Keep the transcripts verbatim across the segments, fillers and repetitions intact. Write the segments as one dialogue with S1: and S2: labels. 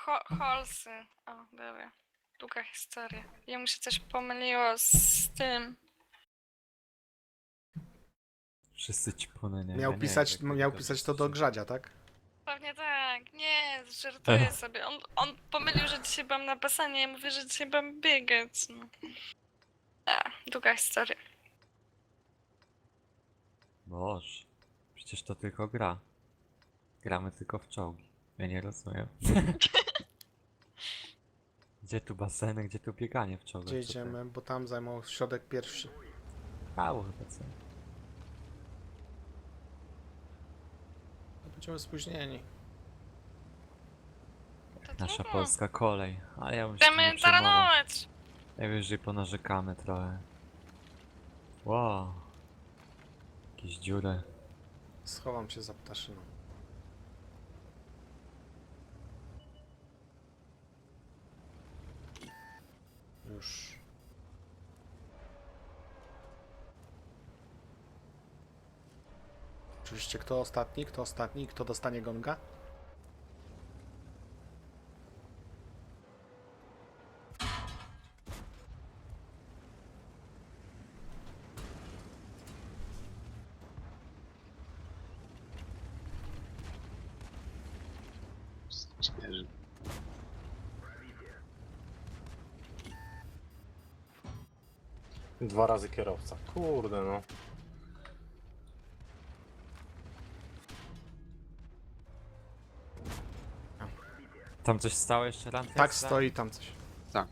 S1: Ho Holsy. O, dobra. Długa historia. Jemu się coś pomyliło z tym.
S2: Wszyscy ci płonę, nie?
S3: Miał
S2: ja nie
S3: pisać,
S2: wiem, jak
S3: miał
S2: to
S3: pisać to do
S2: wszyscy-
S3: grzadzia, tak?
S1: Pewnie tak. Nie, żartuję sobie. On, on pomylił, że dzisiaj byłam na basenie. Ja mówię, że dzisiaj byłam biegać. No. A, długa historia.
S2: Boże, przecież to tylko gra. Gramy tylko w czołgi. Ja nie rozumiem. Gdzie tu baseny, gdzie tu bieganie w czołgach?
S3: Gdzie
S2: Co to
S3: idziemy, bo tam zajmą środek pierwszy.
S2: Mało chyba co?
S3: To będziemy spóźnieni.
S1: To
S2: Nasza
S1: trudno.
S2: polska kolej. Ale ja bym się tym nie
S1: Chcemy
S2: przejmował.
S1: taranować.
S2: Najwyżej ponarzekamy trochę. Wow. Jakieś dziury.
S3: Schowam się za ptaszyną. Już. Oczywiście kto ostatni, kto ostatni, kto dostanie gonga?
S4: Śmierzy.
S5: Dwa razy kierowca. Kurde no.
S2: Tam coś stało jeszcze ran?
S3: Tak, stoi tam coś.
S4: Tak.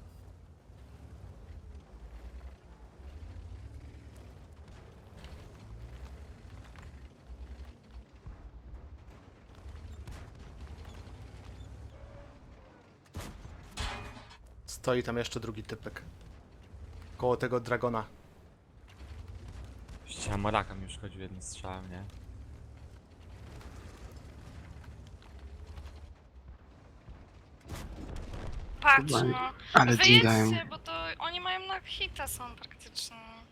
S3: Stoi tam jeszcze drugi typek. Koło tego dragona.
S2: Ściana Moraka mi już chodził jednym strzałem, nie?
S1: Patrz
S4: Chyba-
S1: no.
S4: Ale dingają.
S1: Wyjedźcie, bo to oni mają na hita są praktycznie.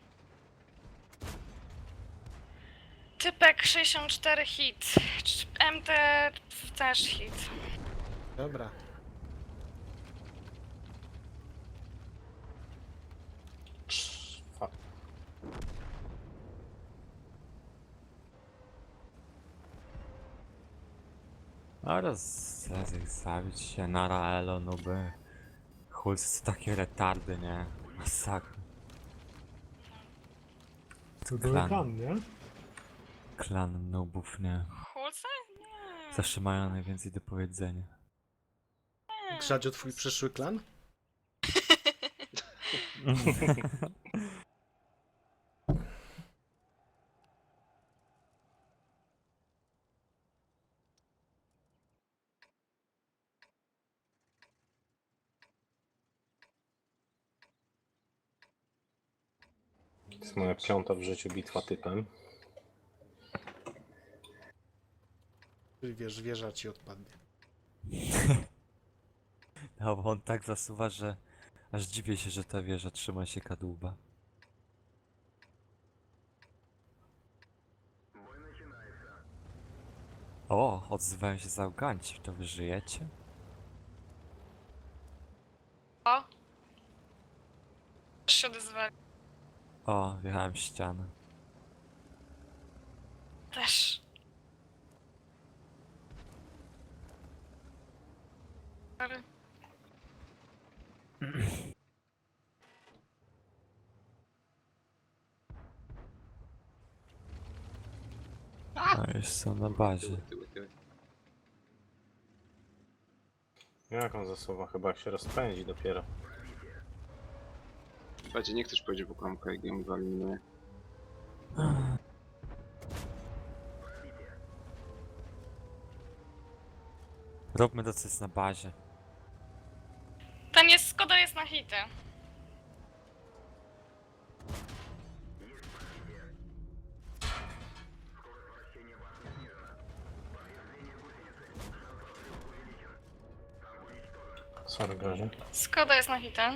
S1: Typek sześćdziesiąt cztery hit. M T też hit.
S3: Dobra.
S5: Fuck.
S2: A roz... zaraz ich zabić się, nara elo, nuby. Hulsy to takie retardy, nie? Masakra.
S5: To
S2: Klan.
S5: nie?
S2: Klan nubów, nie?
S1: Hulce? Nie.
S2: Zawsze mają najwięcej do powiedzenia.
S1: nie.
S3: Grzadziu, twój przyszły klan?
S5: To jest moja piąta w życiu bitwa typem.
S3: Czyli wiesz, wieża ci odpadnie.
S2: No bo on tak zasuwa, że aż dziwię się, że ta wieża trzyma się kadłuba. O, odzywają się załganci, to wy żyjecie?
S1: O. Też się odezwali.
S2: O, wjechałem w ścianę.
S1: Też. Sorry.
S2: No już są na bazie.
S4: Tyły, tyły, tyły.
S5: Jak on zasuwa? Chyba jak się rozpędzi dopiero.
S4: Słuchajcie, niech ktoś pojedzie po klamkę i go wyeliminuje.
S2: Róbmy to, co jest na bazie.
S1: Ten jest, Skoda jest na hity.
S5: Sorry, Grazie.
S1: Skoda jest na hity.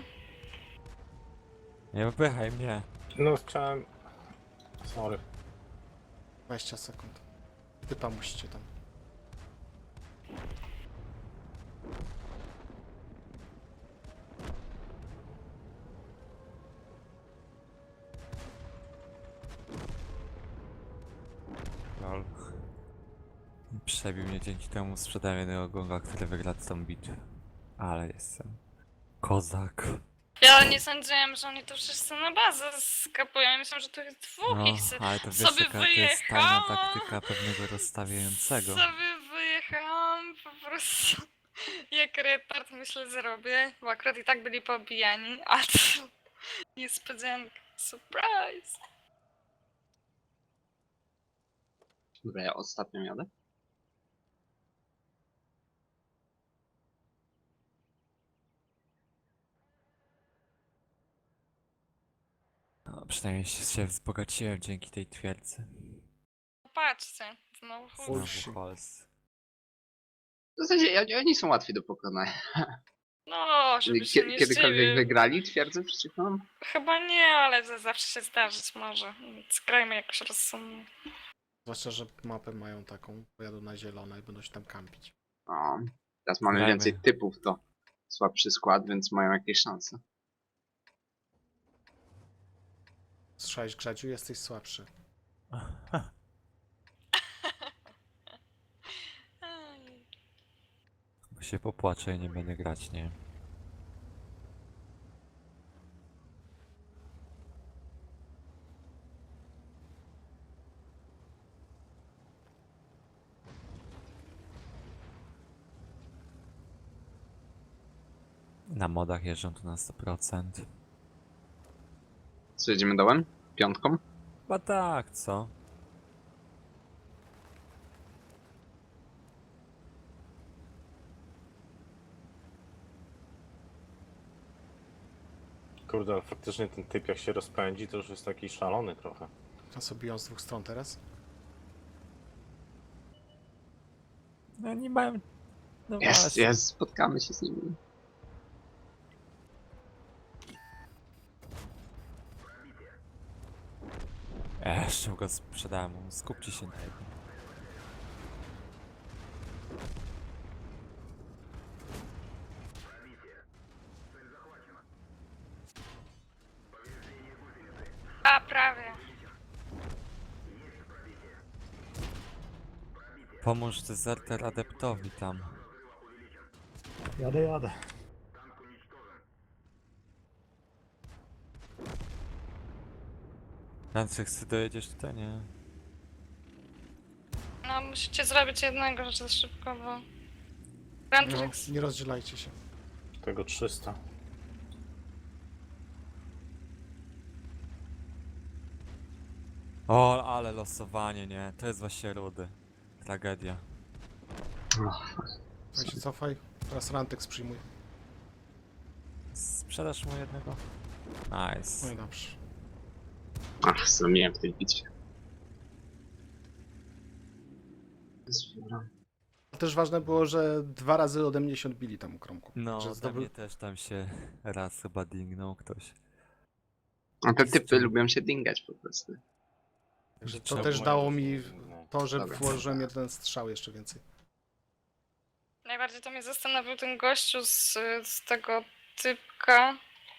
S2: Nie wypychaj mnie.
S5: No chciałem... Sorry.
S3: dwadzieścia sekund. Typa musicie tam.
S2: przebił mnie, dzięki temu sprzedałem jednego gonga, który wygra tą bitwę. Ale jestem kozak.
S1: Ja nie sądziłem, że oni to wszyscy na bazę skapują. Ja myślałem, że to jest dwóch
S2: No,
S1: ich se
S2: ale to wiesz,
S1: sobie
S2: jaka to jest tajna
S1: wyjechałam.
S2: taktyka pewnego rozstawiającego.
S1: Sobie wyjechałam po prostu jak retard myślę zrobię, bo akurat i tak byli pobijani, a to niespodzianka. Surprise!
S4: Dobra, ja ostatnio jadę.
S2: No, przynajmniej się, się wzbogaciłem dzięki tej twierdzy.
S1: Patrzcie, znowu chuj.
S3: Oj.
S2: Znowu Hols.
S4: W zasadzie oni, oni są łatwi do pokonania.
S1: No, żeby się
S4: Kie-
S1: nie
S4: Kiedykolwiek
S1: zdziwił.
S4: wygrali twierdzę przeciw nam?
S1: Chyba nie, ale to zawsze się zdarzyć może. Więc grajmy jakoś rozsądnie.
S3: Zwłaszcza, że mapę mają taką, pojadą na zielono i będą się tam kampić.
S4: O, teraz mamy
S2: Grajmy.
S4: więcej typów, to słabszy skład, więc mają jakieś szanse.
S3: Słyszałeś, Grzedziu, jesteś słabszy.
S1: Ej.
S2: Bo się popłaczę i nie będę grać, nie? Na modach jeżdżą tu na sto procent.
S4: Co, jedziemy dołem? Piątką?
S2: Chyba tak, co?
S5: Kurde, ale faktycznie ten typ jak się rozpędzi, to już jest taki szalony trochę.
S3: A sobie biją z dwóch stron teraz?
S2: No nie mają... No
S4: Jest,
S2: właśnie.
S4: jest, spotkamy się z nimi.
S2: Eee, jeszcze go sprzedałem, skupcie się na jego.
S1: A, prawie.
S2: Pomóż dezerter adeptowi tam.
S6: Jadę, jadę.
S2: Franczyk, ty dojedziesz tutaj? Nie.
S1: No, musicie zrobić jednego rzecz szybko, bo...
S3: No,
S1: Grandrix.
S3: nie rozdzielajcie się.
S5: Tego trzysta.
S2: O, ale losowanie, nie? To jest właśnie rudy. Tragedia.
S3: Ja się cofaj, teraz Rantex przyjmuj.
S2: Sprzedasz mu jednego?
S3: No
S2: Nice.
S3: i dobrze.
S4: Ach, zrobiłem w tej bitwie.
S3: Też ważne było, że dwa razy ode mnie się odbili tam u kromku.
S2: No,
S3: Że
S2: dla
S3: zdobył...
S2: mnie też tam się raz chyba dingnął ktoś.
S4: A te typy lubią się dingać po prostu.
S3: Że to
S2: Trzeba
S3: też
S5: było
S3: dało
S5: jakoś
S3: mi
S5: inne.
S3: to, że
S4: Dobra.
S3: włożyłem jeden strzał jeszcze więcej.
S1: Najbardziej to mnie zastanowił ten gościu z, z tego typka.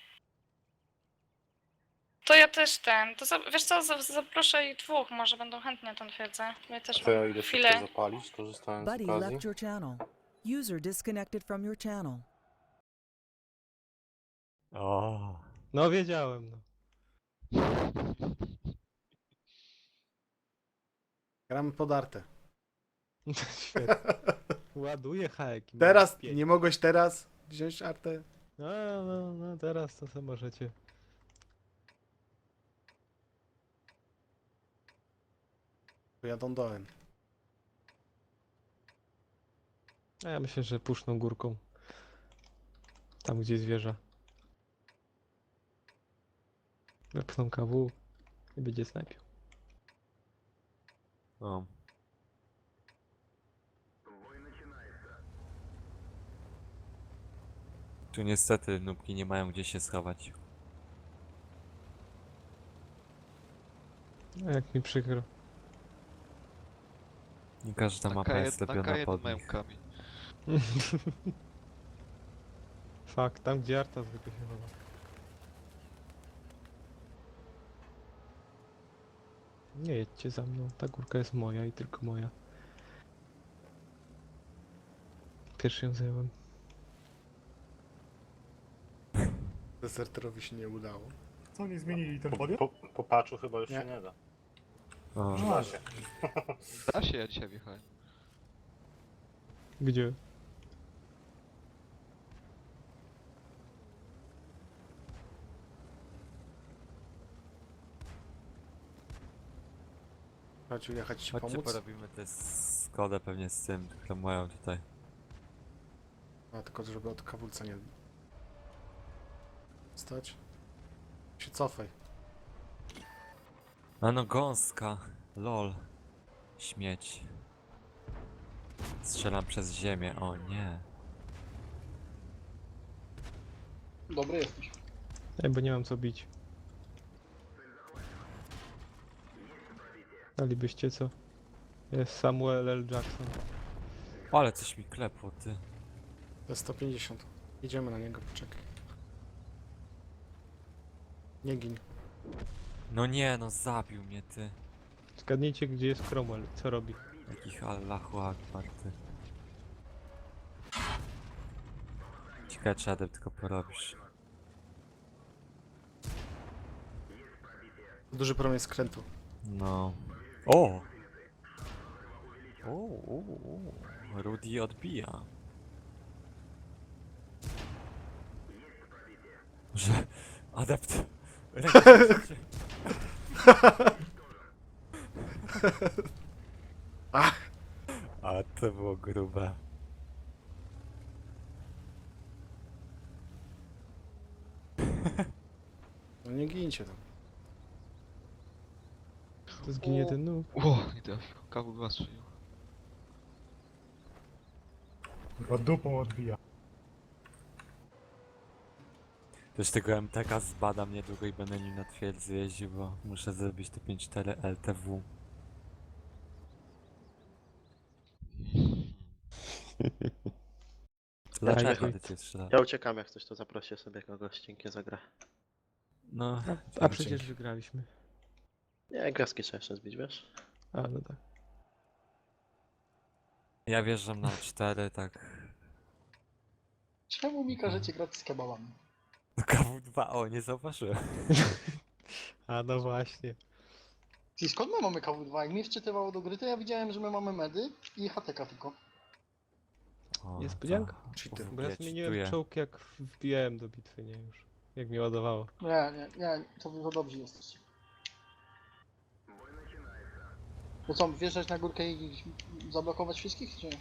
S1: To ja też ten. To za, wiesz co, za- zaproszę ich dwóch, może będą chętnie na tą twierdzę. Ja też
S5: To ja
S1: mam
S5: idę
S1: chwilę.
S5: szybko zapalić, korzystając z
S7: Buddy
S5: okazji.
S7: left your channel. User disconnected from your channel.
S2: O,
S6: No wiedziałem, no.
S3: Gramy podarte.
S6: Świetnie. Ładuję hajki.
S3: Teraz, nie mogłeś teraz wziąć artę?
S6: No, no, no, teraz to sobie możecie.
S3: Pojadą dołem.
S6: A ja myślę, że puszczą górką. Tam, gdzie zwierza. Wepchną K W i będzie snajpił.
S2: no. Tu niestety nubki nie mają gdzie się schować.
S6: No, jak mi przykro.
S2: Nie każda
S8: Na
S2: mapa jest
S8: K jeden, na
S2: zrobiona
S8: K jeden
S2: pod
S8: mają
S2: nich.
S8: kamień.
S6: Fakt, tam gdzie Arta zwykle się chowa. Nie jedźcie za mną, ta górka jest moja i tylko moja. Pierwszy ją zająłem.
S3: Deserterowi się nie udało.
S8: Co, nie zmienili ten
S5: Po,
S8: podium?
S5: po, po patchu chyba już
S3: Nie.
S5: się nie da.
S2: O,
S5: Da się.
S9: Da się, ja dzisiaj wjechałem.
S6: Gdzie?
S3: Chodź jechać ci
S2: chodźcie
S3: pomóc.
S2: porobimy tę Skodę pewnie z tym, które mają tutaj.
S3: A tylko żeby od kawulca nie... Stać. Się cofaj.
S2: A no gąska, lol. Śmieć. Strzelam przez ziemię, o nie.
S10: Dobry jesteś.
S6: Ej, bo nie mam co bić. Dalibyście co? Jest Samuel L. Jackson.
S2: Ale coś mi klepło, ty.
S3: To jest sto pięćdziesiąt. Idziemy na niego, poczekaj. Nie gin.
S2: No nie, no zabił mnie, ty.
S6: Zgadnijcie, gdzie jest Cromwell, co robi.
S2: Jakich Allahu Akbar, ty. Ciekawe, czy Adep tylko porobisz.
S3: Duży promień skrętu.
S2: No. O! O, o, o. Rudy odbija. Że... Adept... Rękę
S3: Ach!
S2: A to było grube.
S3: No nie gincie tam.
S6: To zginie ten nóg.
S9: Ło, nie trafił. Kawu dwa strzelił.
S8: Chyba dupą odbija.
S2: Też tego M T K zbadam niedługo i będę nim na twierdzy jeździł, bo muszę zrobić te pięć cztery L T W. Dlaczego
S6: Ajaj.
S2: ty cię strzela?
S11: Ja uciekam, jak coś to zaprosię sobie kogoś, dzięki za grę.
S2: No,
S6: A przecież wygraliśmy.
S11: Nie, gwiazdki trzeba jeszcze zbić, wiesz?
S6: A, no tak.
S2: ja wjeżdżam na cztery, tak...
S10: Czemu mi każecie grać z kebabami?
S2: No K W dwa, o, nie zauważyłem.
S6: A, no właśnie.
S10: I skąd my mamy K W dwa? Jak mi wczytywało do gry, to ja widziałem, że my mamy medy i H T K tylko.
S2: O,
S6: Niespodzianka.
S2: to-
S3: Cheater.
S6: Bo ja
S2: Ja
S6: zmieniłem
S2: cheatuję.
S6: czołg, jak wbijałem do bitwy, nie już. Jak mi ładowało.
S10: Nie, nie, nie, to wy to dobrzy jesteście. To co, wjeżdżać na górkę i zablokować wszystkich, czy nie?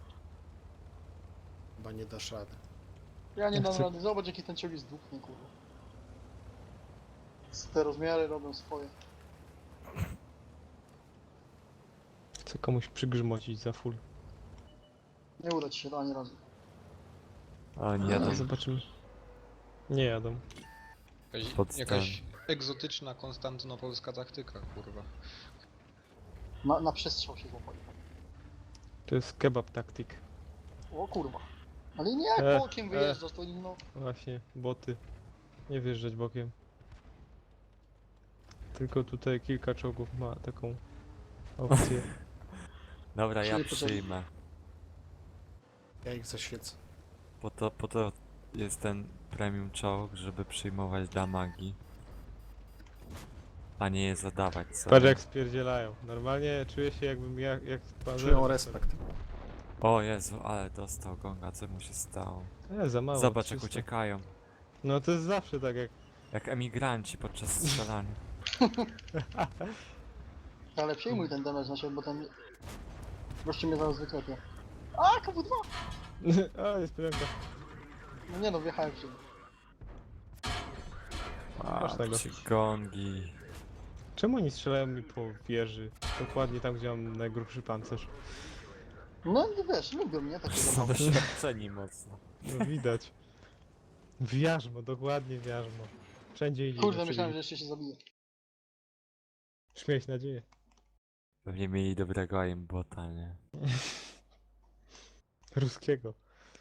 S3: Chyba nie dasz rady.
S10: Ja nie
S6: Ja
S10: dam
S6: chcę-
S10: rady, zobacz jaki ten czołg jest dupny, kurwa. Te rozmiary robią swoje.
S6: Chcę komuś przygrzmocić za full.
S10: Nie uda ci się to ani razu.
S2: O, nie jadą.
S6: Zobaczymy. Nie jadą.
S9: Jakaś,
S2: Pod
S9: jakaś egzotyczna, konstantynopolska taktyka, kurwa.
S10: Na, na przestrzał się złapali.
S6: To jest kebab taktik.
S10: O kurwa. Ale nie jak
S6: E,
S10: bokiem
S6: e.
S10: wyjeżdżasz, to no...
S6: Właśnie, boty. Nie wjeżdżać bokiem. Tylko tutaj kilka czołgów ma taką opcję.
S2: Dobra, ja
S10: Czyli potem-
S2: przyjmę.
S3: Ja ich zaświecę.
S2: Po to, po to jest ten premium czołg, żeby przyjmować damagi. A nie je zadawać sobie.
S6: Patrz jak spierdzielają. Normalnie czuję się jakbym ja, jak pan
S3: Czują respekt.
S2: O Jezu, ale dostał gonga, co mu się stało?
S6: E, za mało.
S2: Zobacz jak
S6: trzysta.
S2: uciekają.
S6: No to jest zawsze tak jak...
S2: Jak emigranci podczas strzelania.
S10: Ale przyjmuj ten damage na siebie, bo ten... Gościu mnie zaraz wyklepie. A, K W dwa!
S6: A, niespodzianka.
S10: No nie no, wjechałem w siebie.
S6: Masz tego.
S2: Patrzcie, gongi.
S6: Czemu oni strzelają mi po wieży? Dokładnie tam, gdzie mam najgrubszy pancerz.
S10: No wiesz, lubią mnie takie
S2: Są
S10: zabawy.
S2: doświadczeni mocno.
S6: No widać. W jarzmo, dokładnie w jarzmo. Wszędzie idzie.
S10: Kurde, myślałem, że jeszcze się zabije.
S6: Śmieć nadzieję.
S2: Pewnie mieli dobrego aimbota, nie?
S6: Ruskiego.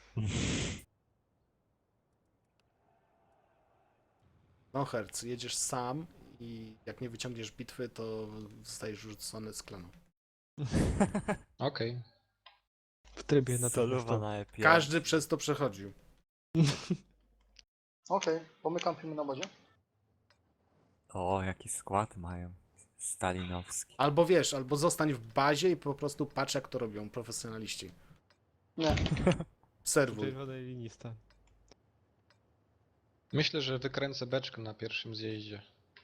S3: No Herc, jedziesz sam i jak nie wyciągniesz bitwy, to zostajesz rzucony z klanu.
S9: Okej.
S6: W trybie na
S2: Soluwa na E P M.
S3: Każdy przez to przechodził.
S10: Okej, bo my kampimy na bazie.
S2: O, jaki skład mają. Stalinowski.
S3: Albo wiesz, albo zostań w bazie i po prostu patrz jak to robią profesjonaliści.
S10: Nie.
S6: W
S3: Serwuj.
S6: czerwonej linii stan.
S9: Myślę, że wykręcę beczkę na pierwszym zjeździe.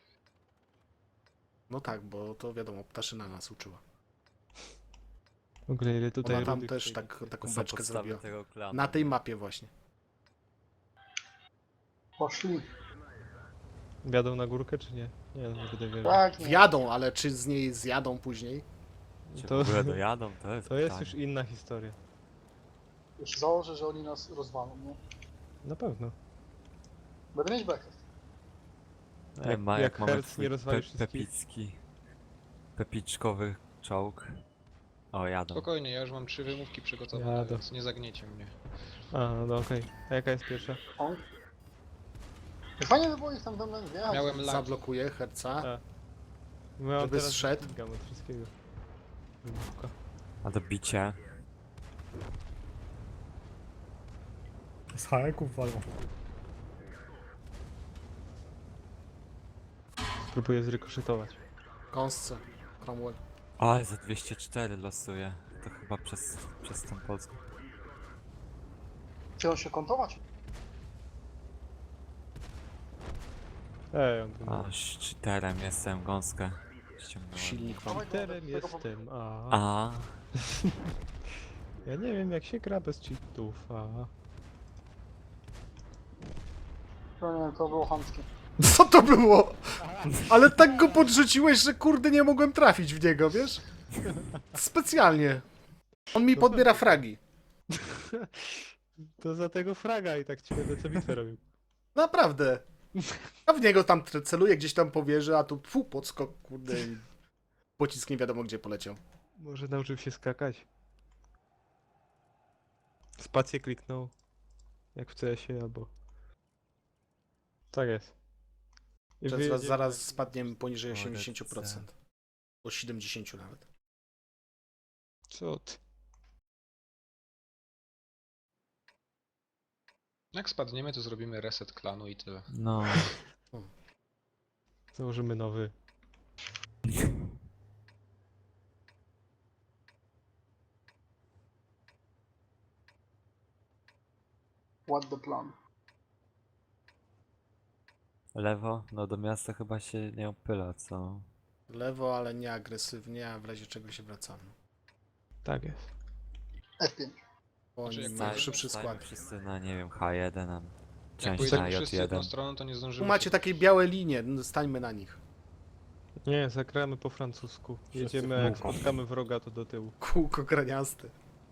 S3: No tak, bo to wiadomo, ptaszyna nas uczyła.
S6: W ogóle ile tutaj
S3: Ona tam
S6: rudych
S3: też
S6: tej-
S3: tak, taką
S2: To są
S3: beczkę
S2: podstawy
S3: zrobiła.
S2: tego klanu.
S3: Na tej mapie właśnie.
S10: Poszli.
S6: Wjadą na górkę czy nie? Nie, no nie będę wierzył.
S10: Tak, nie.
S3: Wjadą, ale czy z niej zjadą później?
S2: Czy
S6: To,
S2: w ogóle dojadą? To jest
S6: to jest
S2: pytanie.
S6: już inna historia.
S10: Już założę, że oni nas rozwalą, nie?
S6: Na pewno.
S10: Będę mieć bekę.
S2: E,
S6: Jak-
S2: ma,
S6: jak
S2: jak mamy
S6: Herc
S2: twój
S6: nie rozwali
S2: pe,
S6: wszystkich.
S2: pepicki, pepiczkowy czołg. O, jadą.
S9: Spokojnie, ja już mam trzy wymówki przygotowane,
S6: Jadę.
S9: więc nie zagniecie mnie.
S6: A, no okej. A jaka jest pierwsza?
S10: On. Fajnie by było ich tam do mnie wjechać.
S9: Miałem lag.
S3: Zablokuje herca.
S6: A. My
S3: Żeby zszedł.
S6: Gam od wszystkiego. Wymówka.
S2: A to bicie.
S8: Z haeków walą.
S6: Spróbuję zrykoszetować.
S3: Kąsce. Cromwell.
S2: O, ale za dwieście cztery losuje. To chyba przez, przez tą Polskę.
S10: Chciał się kontować?
S6: Ej, on tu
S2: A, z cheaterem jestem, gąskę. Ściągnąłem.
S3: Silnik mam.
S10: Dawaj go,
S6: Cheaterem
S10: do tego po-
S6: jestem, a.
S2: A,
S6: Ja nie wiem jak się gra bez cheatów, a.
S10: To nie, to było chamskie.
S3: Co to było? Ale tak go podrzuciłeś, że kurde nie mogłem trafić w niego, wiesz? Specjalnie. On mi podbiera fragi.
S6: To za tego fraga i tak ci będę co bitwę robił.
S3: Naprawdę. A w niego tam tre- celuję gdzieś tam po wieży, a tu fu, podskok, kurde. I pocisk nie wiadomo gdzie poleciał.
S6: Może nauczył się skakać. Spację kliknął. Jak w C S-ie albo... Tak jest. I
S3: Że
S6: wyjedziemy
S3: zaraz, zaraz
S6: na-
S3: spadniemy poniżej
S2: O,
S3: osiemdziesiąt procent. O siedemdziesiąt nawet.
S6: Co ty?
S9: Jak spadniemy, to zrobimy reset klanu i tyle.
S2: no.
S6: Założymy nowy.
S10: What the plan?
S2: Lewo? No do miasta chyba się nie opyla, co?
S3: Lewo, ale nie agresywnie, a w razie czego się wracamy.
S6: Tak jest.
S10: F pięć.
S3: Bo
S9: Znaczy,
S3: oni
S9: jak
S3: mają
S9: pojedziemy-
S3: szybszy
S2: Stajmy
S3: skład.
S2: wszyscy na, nie wiem, H jeden, a
S9: Jak
S2: część
S9: pojedziemy
S2: na
S9: wszyscy
S2: J
S9: jedną
S2: jeden.
S9: stroną, to nie
S3: Tu
S9: zdążymy
S3: macie
S9: się...
S3: takie białe linie, no, stańmy na nich.
S6: Nie, zagramy po francusku. Jedziemy,
S5: w
S6: jak
S5: kółko.
S6: spotkamy wroga, to do tyłu.
S3: Kółko graniaste.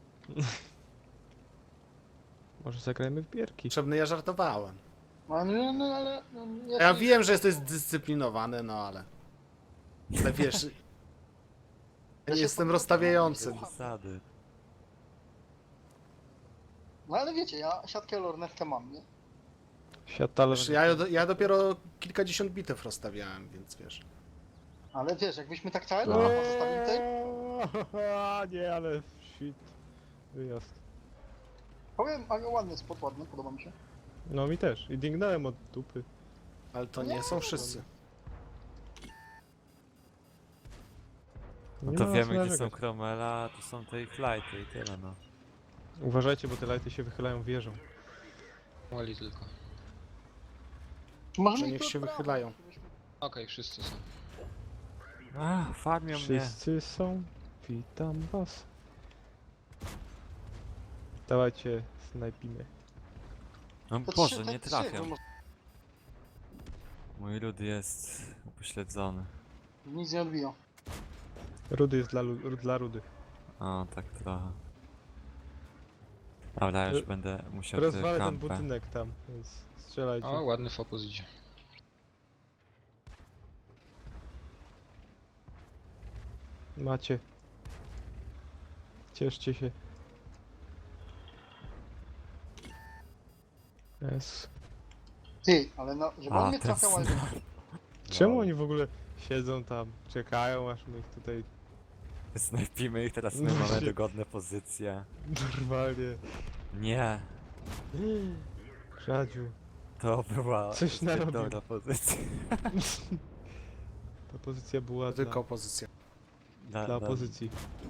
S6: Może zagrajmy w bierki.
S3: Potrzebny, ja żartowałem.
S10: No, no, no ale... No, ja
S3: Ja
S10: ci-
S3: wiem, że jesteś zdyscyplinowany, no ale... Ale wiesz... Ja
S10: Ja
S3: nie
S10: się
S3: jestem
S10: pod-
S3: rozstawiającym.
S2: Zasady.
S10: No ale wiecie, ja siatkę lornetkę mam, nie?
S6: Świat talerz.
S3: Wiesz, ja, ja dopiero kilkadziesiąt bitew rozstawiałem, więc wiesz.
S10: Ale wiesz, jakbyśmy tak całe
S2: No.
S10: no. zostawili tej...
S6: Eee, nie, ale shit. Wyjazd.
S10: Powiem, ale ładny spot, ładny, podoba mi się.
S6: No mi też. I dingnąłem od dupy.
S3: Ale to nie są wszyscy.
S2: No
S6: Nie
S2: to
S6: ma
S2: wiemy
S6: co
S2: gdzie są
S6: narzekać.
S2: Cromwella, a tu są te ich lighty i tyle no.
S6: Uważajcie, bo te lighty się wychylają wieżą.
S9: Wali tylko.
S10: Możemy
S3: Że
S10: ich
S3: niech
S10: tu
S3: się
S10: odprawiać,
S3: wychylają.
S10: żebyśmy-
S9: Okej, wszyscy są.
S2: A, farmią mnie.
S6: Wszyscy są. Witam was. Dawajcie, snajpimy.
S2: No
S10: To trzy,
S2: Boże,
S10: te
S2: nie
S10: trzy,
S2: trafiam.
S10: bo
S2: Mój lud jest upośledzony.
S10: Nic nie odbija.
S6: Rudy jest dla, lu- dla rudych.
S2: O, tak trochę. Dobra, już
S6: Ro-
S2: będę musiał
S6: Rozwalę
S2: tę
S6: ten
S2: kampę.
S6: budynek tam, więc strzelajcie.
S9: O, ładny fokus idzie.
S6: Macie. Cieszcie się. Jest.
S10: Ty, ale no, żeby
S2: A,
S10: on mnie
S2: ten
S10: trafiał, ale...
S2: snap.
S6: Czemu oni w ogóle siedzą tam, czekają aż my ich tutaj
S2: Snajpimy ich, teraz my mamy dogodne pozycje.
S6: Normalnie.
S2: Nie,
S6: Radziu.
S2: to była
S6: Coś
S2: zbyt
S6: narobił.
S2: dobra pozycja.
S6: Ta pozycja była
S3: Tylko
S6: dla,
S3: opozycja.
S2: Dla,
S6: dla
S2: dla-
S6: opozycji.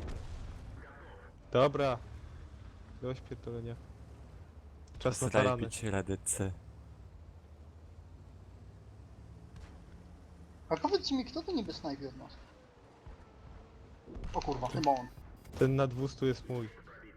S6: Dobra. Dość pierdolenia. Czas na tarany.
S2: Zrajbić redycy.
S10: A powiedzcie mi, kto to niby snajpi od nas? O kurwa, chyba on.
S6: Ten na dwustu jest mój.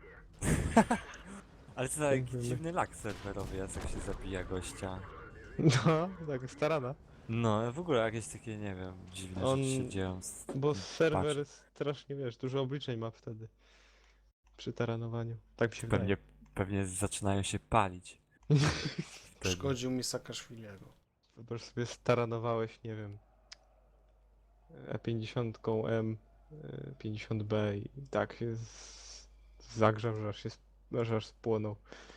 S2: Ale to taki
S6: Dziękujemy.
S2: dziwny lak serwerowy jest, jak się zabija gościa.
S6: No, tak, starana.
S2: No, w ogóle jakieś takie, nie wiem, dziwne
S6: On-
S2: rzeczy się dzieją. Z...
S6: Bo serwer
S2: Patrz.
S6: strasznie, wiesz, dużo obliczeń ma wtedy. Przy taranowaniu. Tak mi się
S2: Pewnie, pewnie zaczynają się palić. Wtedy.
S3: Szkodził mi Saakaszwilego.
S6: wydaje. Wyobraź sobie, staranowałeś, nie wiem, E pięćdziesiąt M, e pięćdziesiąt B i tak się z... zagrzał, że aż się sp- że aż spłonął.